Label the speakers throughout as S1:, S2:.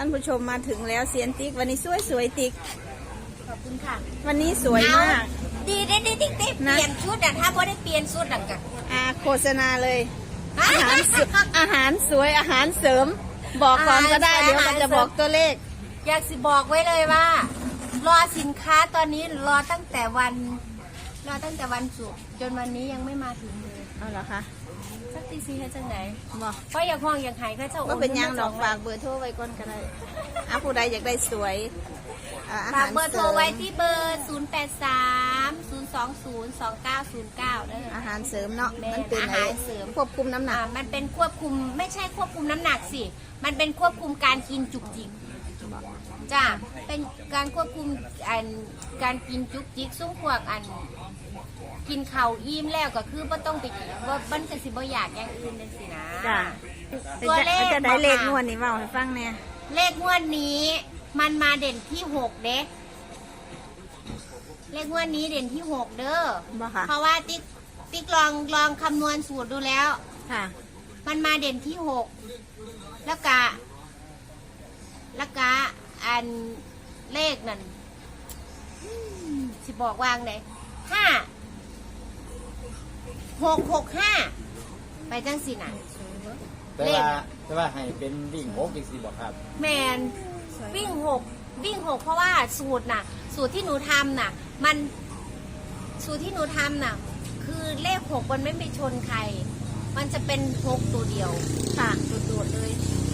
S1: านผู้ชมมาถึงแล้วเซียนติ๊กวันนี้สวยติ๊ก
S2: ขอบคุณค่ะ
S1: วันนี้สวยมาก
S2: ดีได้เปลี่ยนชุดถ้าพอได้เปลี่ยนชุดดังกัน
S1: โฆษณาเลยอาหารสวยอาหารเสริมบอกก่อนก็ได้เดี๋ยวมันจะบอกตัวเลข
S2: อยากสิบอกไว้เลยว่ารอสินค้าตอนนี้รอตั้งแต่วันศุกร์จนวันนี้ยังไม่มาถึงเลย
S1: เอาเหรอคะ
S2: สักทีซีให้จังไหน
S1: บอก
S2: เพราะอยากห้องอยากหายก็จะ
S1: ก็เป็นยังดอกฝากเบอร์โทรไว้ก่อนก็ได้ผู้ใดอยากได้สวย
S2: ฝากเบอร์โทรไว้ที่เบอร์0830202909
S1: อาหารเสริมเนาะมันเป็น
S2: อาหารเสริม
S1: ควบคุมน้ำหนัก
S2: มันเป็นควบคุมไม่ใช่ควบคุมน้ำหนักสิมันเป็นควบคุมการกินจุกจิกจ้าเป็นการควบคุมการกินจุกจิกซุ้มพวกกินเข่าอิ่มแล้วก็คือไม่ต้องไปว่าบันจะสิบ่อยากอย่างอื่นเลยสินะ
S1: จ้าตัวเลขจะได้เลขงวดนี้เปล่าให้ฟังเนี่ย
S2: เลขงวดนี้มันมาเด่นที่6เด้เลขงวดนี้เด่นที่6เด้อเพราะว่าติ๊กลองคำนวณสูตรดูแล้ว
S1: ค่ะ
S2: มันมาเด่นที่6แล้วก็เลขนั่นสิบอกวางไหน665ไปจังสินะ
S3: แต่ว่าให้เป็นวิ่ง6อีกสิบอกครับ
S2: แมนวิ่ง6เพราะว่าสูตรที่หนูทำน่ะมันสูตรที่หนูทำน่ะคือเลข6มันไม่ไปชนใครมันจะเป็น6ตัวเดียว
S1: ค่ะ
S2: โดดเลย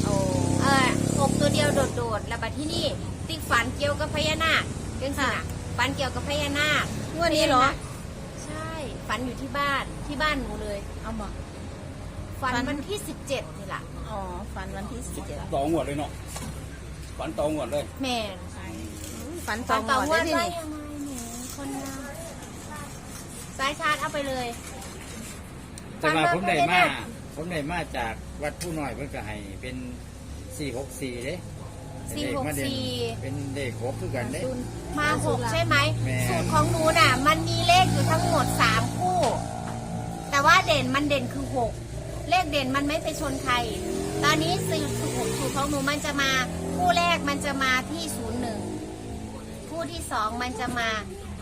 S2: 6ตัวเดียวโดดแล้วบัดที่นี่ติ๊กฝันเกี่ยวกับพญานาคจังสินะฝันเกี่ยวกับพญานาค
S1: งวดนี้เหรอ
S2: ใช่ฝันอยู่ที่บ้านหนูเลย
S1: เอาบอก
S2: ฝันวันที่17นี่แหละ
S1: อ๋อฝันวันที่17
S3: ต่องวดเลยเนาะฝันต่องวดเลย
S2: แม่
S1: ฝันต่องวดได้ที่นี่
S2: คนงามสายชาร์จเอาไปเลย
S3: แต่ว่าผมได้มาจากวัดผู้น้อยเพิ่นก็ให้เป็น464เด้
S2: 464
S3: เป็นเลข6คือกันเด้
S2: มา6ใช่ไหมสูตรของหนูน่ะมันมีเลขอยู่ทั้งหมด3คู่แต่ว่าเด่นคือ6เลขเด่นมันไม่ไปชนใครตอนนี้สูตรของหนูมันจะมาคู่แรกมันจะมาที่01คู่ที่2มันจะมา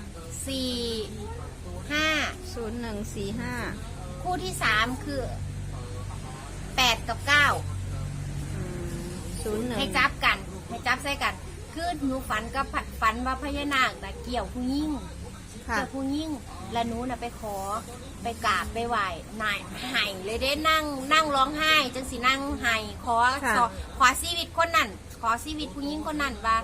S1: 0145
S2: คู่ที่3คือ8กับ9ให้จับใส่กันคือหนูฝันว่าพญานาคแต่เกี่ยวผู้ยิ่งและหนูน่ะไปขอไปกราบไปไหว้นายไห้เลยได้นั่งร้องไห้จังสินั่งไห้ขอชีวิตคนนั้นขอชีวิตผู้ยิ่งคนนั้นว่า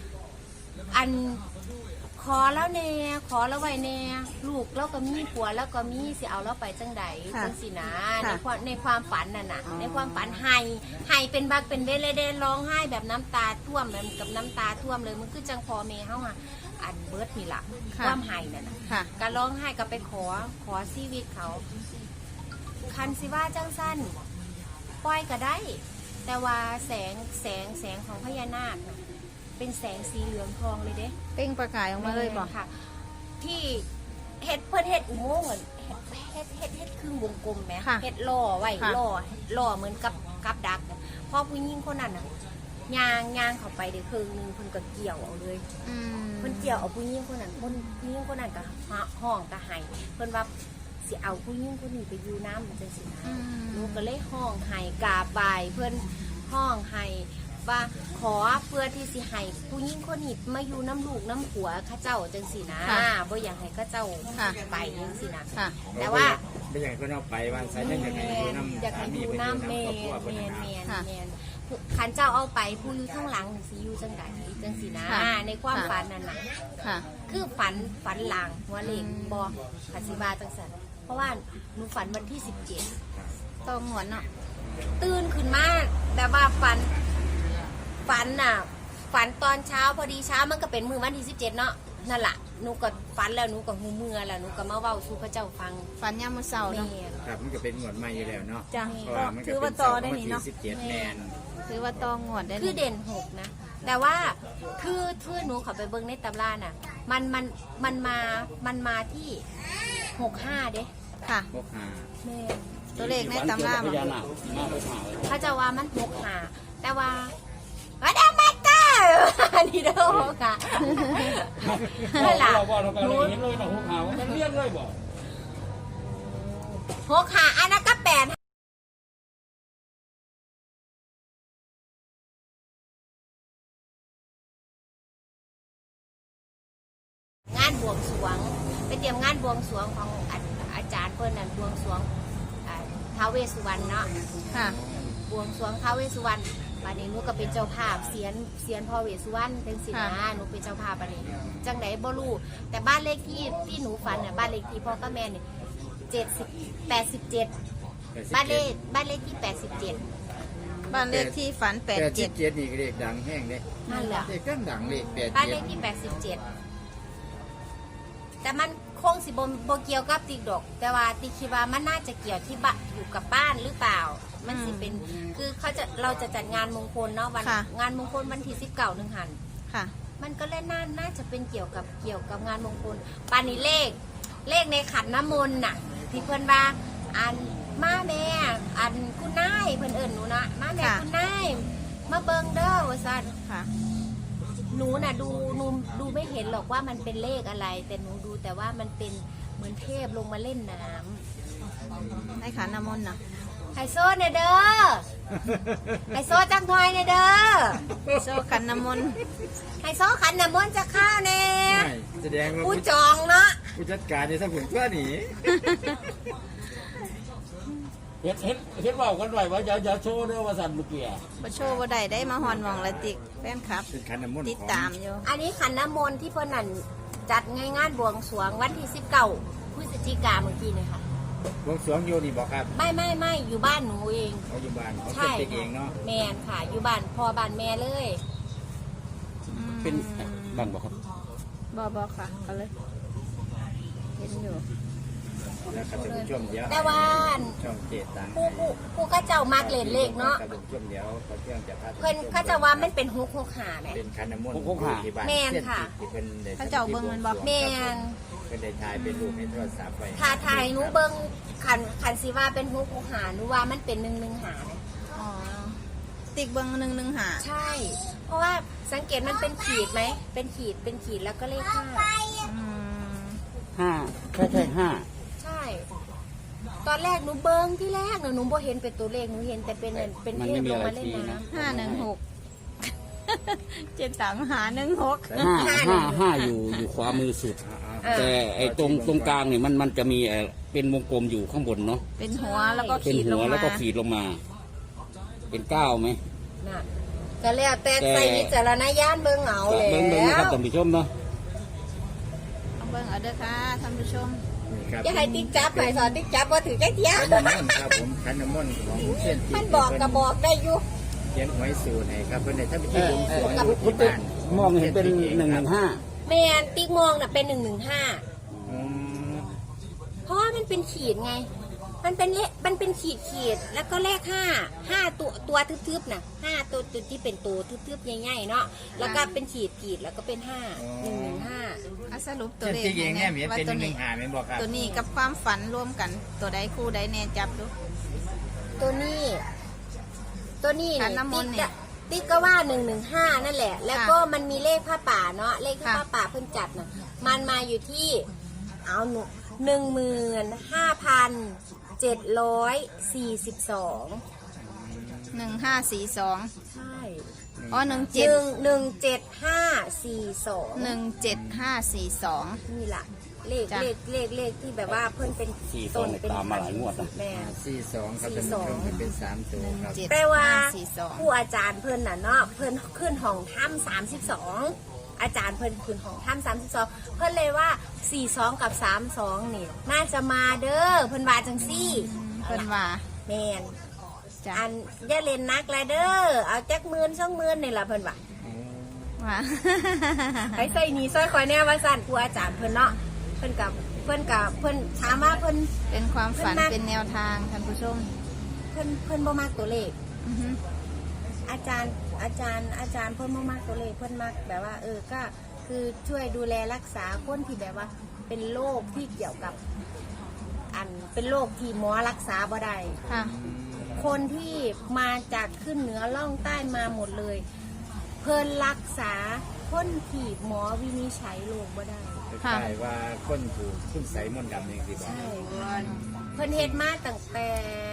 S2: ขอแล้วแน่ขอแล้วไว้แน่ลูกแล้วก็มีผัวแล้วก็มีสิเอาแล้วไปจังใดจังสินะในความฝันน่ะในความฝันไห้เป็นบักเป็นเวลเลยได้ร้องไห้แบบน้ำตาท่วมแบบกับน้ำตาท่วมเลยมันคือจังพอเมย์เฮาเบิร์ดนี่ล่ะความไห้นั่นน่ะการร้องไห้ก็ไปขอชีวิตเขาคันสิว่าจังสั้นปล่อยก็ได้แต่ว่าแสงของพญานาคเป็นแสงสีเหลืองทองเลยเด้
S1: เป้งประกายออกมาเลยบอก
S2: ค่ะที่เฮ็ดอุโมงค์เฮ็ดครึ่งวงกลมไหมเฮ็ดล่อไว้ล่อเหมือนกับดักพอผู้หญิงคนนั้นน่ะย่างเข้าไปเดี๋ยวคืนนึงเพิ่นก็เกี่ยวเอาเลยเพิ่นเกี่ยวเอาผู้หญิงคนนั้นผู้หญิงคนนั้นก็ห้องก็ให้เพิ่นว่าสิเอาผู้หญิงคนนี้ไปอยู่น้ำมันจังสินะลูกก็เลยห้องให้กราบไหว้เพิ่นห้องให้ว่าขอเพื่อที่สิให้ผู้หญิงคนนี้มาอยู่น้ำลูกน้ำผัวข้าเจ้าจังสินะบ่อยากให้ข้าเจ้าไปจังสินะแต่ว่า
S3: ไม่อยากให้เขาเอาไปวันสายอยากให้อยู่น้ำ
S2: เมนขันเจ้าเอาไปผู้อยู่ข้างหลังสิอยู่จังใดจังสินะในความฝันนั่นน่ะคือฝันหลังหัวเล็กบอขันสิบาจังสันเพราะว่าหนูฝันวันที่17
S1: ต้องหัวเนาะ
S2: ตื่นขึ้นมาแต่ว่าฝันตอนเช้าพอดีเช้ามันก็เป็นมือวันที่17เนาะนั่นแหละหนูก็ฝันแล้วหนูก็หูเมื่อแล้วหนูก็มาเว้าสู่พระเจ้าฟัง
S1: ฝันยามมื้อเช้าเนาะ
S3: ครับมันก็เป็นงวดใหม่อยู่แล้วเนาะ
S1: จ้ะถือว่าต่อได้นี่เนาะ
S3: 17แมน
S1: ถือว่าต่องวดได้
S2: คือเด่น6นะแต่ว่าคือหนูขอไปเบิ่งในตำราน่ะมันมาที่65เด้
S1: ค่ะ
S3: 65
S2: แม่
S1: ตัวเลขในตำรา
S2: เขาจะว่ามัน65แต่ว่ามาดามเด้อค่ะนั่นล่ะ
S4: เราบอกเราการเห็นเลยนะหัวขาวมันเลี้ยงเลยบอก
S2: หัวขาอันนั้นก็8งานบวงสรวงไปเตรียมงานบวงสรวงของอาจารย์เพิ่นนั่นบวงสรวงท้าวเวสสุวรรณเนาะ
S1: ค่ะ
S2: บวงสรวงท้าวเวสสุวรรณวันนี้หนูก็เป็นเจ้าภาพเสียนพ่อเวสสุวรรณเป็นศิลาหนูเป็นเจ้าภาพวันนี้จังไหนบ่รู้แต่บ้านเลขที่หนูฝันน่ะบ้านเลขที่พ่อกับแม่เนี่ย87บ้านเลขที่87
S1: บ้านเลขที่ฝัน
S3: 87นี่ก็เลขดังแห้งเด้
S2: นั่นแหละ
S3: เลขดังเลข87
S2: บ้านเลขที่87แต่มันคงสิบ่เกี่ยวกับติ๊กดอก แต่ว่าติ๊กคิดว่ามันน่าจะเกี่ยวที่บ้านอยู่กับบ้านหรือเปล่า มันสิเป็นคือเราจะจัดงานมงคลเนาะวันงานมงคลวันที่19นึงหัน
S1: ค่ะ
S2: มันก็เล่นน่าจะเป็นเกี่ยวกับงานมงคลปานนี้เลขในขันน้ำมนต์น่ะที่เพื่อนว่าอันมาแม่อันคุณนายเพื่อนเอิญหนูนะมาแม่คุณนายมาเบิงเด้อว่าซั่น
S1: ค่ะ
S2: หนูน่ะดูไม่เห็นหรอกว่ามันเป็นเลขอะไร แต่หนูดูแต่ว่ามันเป็นเหมือนเทพลงมาเล่นน้
S1: ในขันน้ำมนต์น่ะ
S2: ำไฮโซเนี่ยเด้อไฮโซจังทอยเนี่ยเด้อ
S1: โซ่ขันน้ำมนต์
S2: ไฮโซขันน้ำมนต์จะข้าวแน่
S3: ไม่แสดงว่า
S2: กูจองเนาะ
S3: ผู้จัดการนี่ถ้าผมก็หนี
S4: เห็นว่ากันไว้ว่าอย่าโชว์เด้อว่าสั่นเมื่อกี้
S1: บ่โชว์บ่ได้ได้มาฮอนหมองละติกแฟนคลับ
S3: เป็นคันน้ำมนต์
S1: ติดตามอยู่
S2: อันนี้ขันน้ำมนต์ที่เพิ่นนั่นจัดงานบวงสรวงวันที่19พฤศจิกายนเมื่อกี้เนี่ยค่ะ
S3: วงสรวงโยนี่บอกครับ
S2: ไม่อยู่บ้านหนูเอง
S3: เขาอยู่บ้านเขา
S2: ใช่
S3: เป็นเองเนาะ
S2: แมนค่ะ อยู่บ้านพ่อบ้านแม่เลย
S4: เป็นบ้านบอกครับ
S1: บ่ค่ะก็เลย เห็นอยู่
S3: แล้วครับท่านผู้ชมเดี๋ยว
S2: แต่ว่า
S3: ช่องเจตัง
S2: ผู้ก็เจ้ามากเล่นเลขเนาะ
S3: ท่านผู้ชมเดี๋ยวเขาเชื่องจะพา
S2: เพิ่นเขาจะว่ามันเป็นฮุกหาไหม
S3: เป็นคันน้ำมนต์
S4: พวกหา
S3: ที่บ้าน
S2: แม่นค่ะ
S3: ที่เพิ่นได้
S1: เขาเจ้าเบิ่งมันบอก
S2: แม่น
S3: เพิ่นได้ถ่ายเป็นรูปในโทรศัพท์ไว้
S2: ถ้าถ่ายหนูเบิ่งขันสิว่าเป็นฮุกหาหนูว่ามันเป็น1 1 หาเลย
S1: อ๋อ ติกเบิ่ง1 1 5
S2: ใช่ เพราะว่าสังเกตมันเป็นขีดไหมเป็นขีดแล้วก็เลข5
S1: อืม
S4: 5แค่5
S2: ใช่ ตอนแรกหนูเบิ้งที่แรกหนูบ่เห็นเป็นตัวเลขหนูเห็นแต่เป็นเทพลงมาเล่นน้ำ
S1: 516 เจ็ดสามหา16
S4: 5อยู่ขวามือสุด แต่ไอ้ตรงกลางเนี่ยมันจะมีเป็นวงกลมอยู่ข้างบนเนาะ
S1: เป็นหัวแล้วก็
S4: เป็น
S1: ขีดล
S4: หั
S1: ง
S4: ว
S1: มา
S4: แล้วก็ขีดลงมา เป็น9ไหม
S2: น่ะก็แล้วแต่ใส่วิจารณญาณเบิ้งเอาเลย
S4: เบิ่งนะครับท่านผู้ชมเนาะ
S1: เอาเบิ่งเอาเด้อค่ะท่านผู้ชม
S3: นี่ครับ
S2: อย่าให้ติ๊กจับหน่อยสอนติ๊กจับว่าถือแค่เทีย
S3: คันน้ำมนต์ครับผมคันน้ำมนต์ของเส้น
S2: มันบอกกระบอกได้อยู่
S3: เขียนหวยสูตรให้ครับเพิ่นได้ทำพิธีบวงสรวงอยู่
S4: คุณ
S3: ที่
S4: ติ๊ก
S3: บ้าน
S4: มองเห็นเป็น115
S2: แมนติ๊กมองน่ะเป็น115
S3: อืม
S2: เพราะว่ามันเป็นขีดไง มันเป็นขีดแล้วก็เลข5ตัวทึบๆน่ะ5ตัวที่เป็นตัวทึบๆใหญ่ๆเนาะแล้วก็เป็นขีดแล้วก็เป็น115
S1: อ่ะสรุปตัว
S3: เส้น
S1: เลข
S3: ที่เองเนี่ยมี
S1: ว่า
S3: เป็น
S1: ตัวนี้
S3: 115แม่นบอกครับ
S1: ตัวนี้กับความฝันรวมกัน ตัวใดคู่ใดแน่จับดู
S2: ตัวนี้
S1: ขั
S2: เนี่ย
S1: นน้ำมนต์เนี่ย
S2: ติ๊กก็ว่า115นั่นแหละ แล้วก็มันมีเลขผ้าป่าเนาะเลขผ้าป่าเพิ่งจัดน่ะมันมาอยู่ที่เอาหนู15,742
S1: 1542
S2: ใช่
S1: อ๋อ17
S2: 17542
S1: 17542
S2: นี่ล่ะเลข
S1: จ้ะ
S2: เลขที่แบบว่าเพิ่นเป็น
S4: 42เนี่ยตามมาหลายงวดนะ
S2: แม่
S3: 42ครับท่านผู้ชมมันเป็น3ตัวครับ
S2: แปลว่า
S1: 1542
S2: ผู้อาจารย์เพิ่นน่ะเนาะเพิ่นขึ้นห้องถ้ำ32อาจารย์เพิ่นขึ้นห้องถ้ำ32เพิ่นเลยว่า42กับ32นี่น่าจะมาเด้อเพิ่นว่าจังซี่
S1: เพิ่นว่า
S2: แม่น
S1: จ้ะ
S2: อันอย่าเล่นนักเลยเด้อเอาจัก10,000 20,000นี่ล่ะเพิ่นว่า
S1: ว่า
S2: ให้ใส่หนีซอยคอยแน่ว่าสั่นผู้อาจารย์เพิ่นเนาะเพิ่นถามว่าเพิ่น
S1: เป็นความฝัน
S2: เพิ่นมา
S1: เป็นแนวทางท่านผู้ชม
S2: เพิ่นบ่มักตัวเลข
S1: อือฮึ
S2: อาจารย์เพิ่นบ่มักตัวเลขเพิ่นมักแบบว่าก็คือช่วยดูแลรักษาคนที่แบบว่า เป็นโรคที่เกี่ยวกับเป็นโรคที่หมอรักษาบ่ได้
S1: ค่ะ
S2: คนที่มาจากขึ้นเหนือล่องใต้มาหมดเลยเพิ่นรักษาคนที่หมอวินิจฉัยโรคบ่ได้
S3: คล้ายๆว่าคนถูกคุณใส่มนต์ดำนี่สิบอก
S2: ใช่เพิ่นเฮ็ดมาตั้งแต่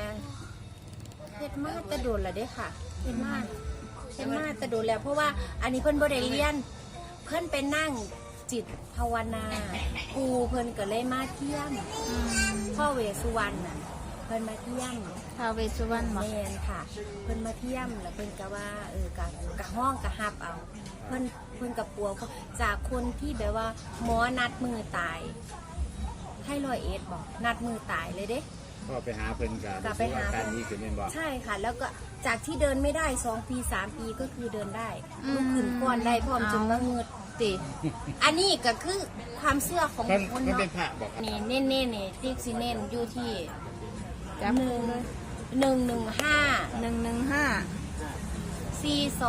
S2: โดนแล้วเด้ค่ะเฮ็ดมาแต่โดนแล้วเพราะว่าอันนี้เพิ่นบ่ได้เรียนเพิ่นไปนั่งจิตภาวนาครูเพิ่นก็เลยมาเที่ยมพ่อเวสสุวรรณน่ะเพิ่นมาเที่ยม
S1: ท้าวเวสสุวรรณบอก
S2: แม่นค่ะ เพิ่นมาเที่ยมแล้วเพิ่นก็ว่ากะห้องกะฮับเอาเพิ่นกับปัวจากคนที่แบบว่าหมอนัดมือตายให้101บอกนัดมือตายเลยเด้
S3: ก็ไปหาเพิ่นกับ
S2: กลับไปหา
S3: การนี้คือแม่นบอก
S2: ใช่ค่ะ แล้วก็จากที่เดินไม่ได้2 ปี 3 ปีก็คือเดินได้ลุกขึ้นก่อนได้พร้อมจนว่าเงือด
S1: ติ
S2: อันนี้ก็คือความเชื่อของ
S3: เพิ่น
S2: คน
S3: เพิ่น
S2: เนาะ
S3: เป็นพระบอกครับ
S2: นี่เน้นนี่ติ๊กซีเน้นอยู่ที่
S1: จับ
S2: 1 1 1
S1: 115
S2: 5 4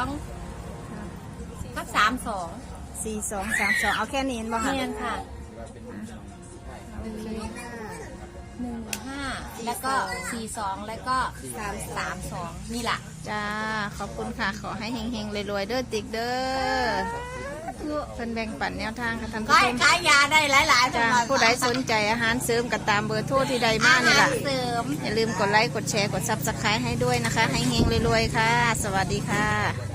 S2: 2กับ32
S1: 4232เอาแค่นี้เห็นบ่คะ
S2: เนียนค่ะ15แล้วก็42แล้วก็32นี่แหละ
S1: จ้าขอบคุณค่ะขอให้เฮงๆรวยๆเด้อติ๊กเด้อเพิ่นแบ่งปันแนวทางค่ะท่านผู้ชม
S2: ขายยาได้หลายๆ
S1: จ้าผู้ใดสนใจอาหารเสริมก็ตามเบอร์โทรที่ใดมานี่ล่ะ
S2: เสริม
S1: อย่าลืมกดไลค์กดแชร์กด Subscribe ให้ด้วยนะคะ ให้เฮงรวยๆค่ะ สวัสดีค่ะ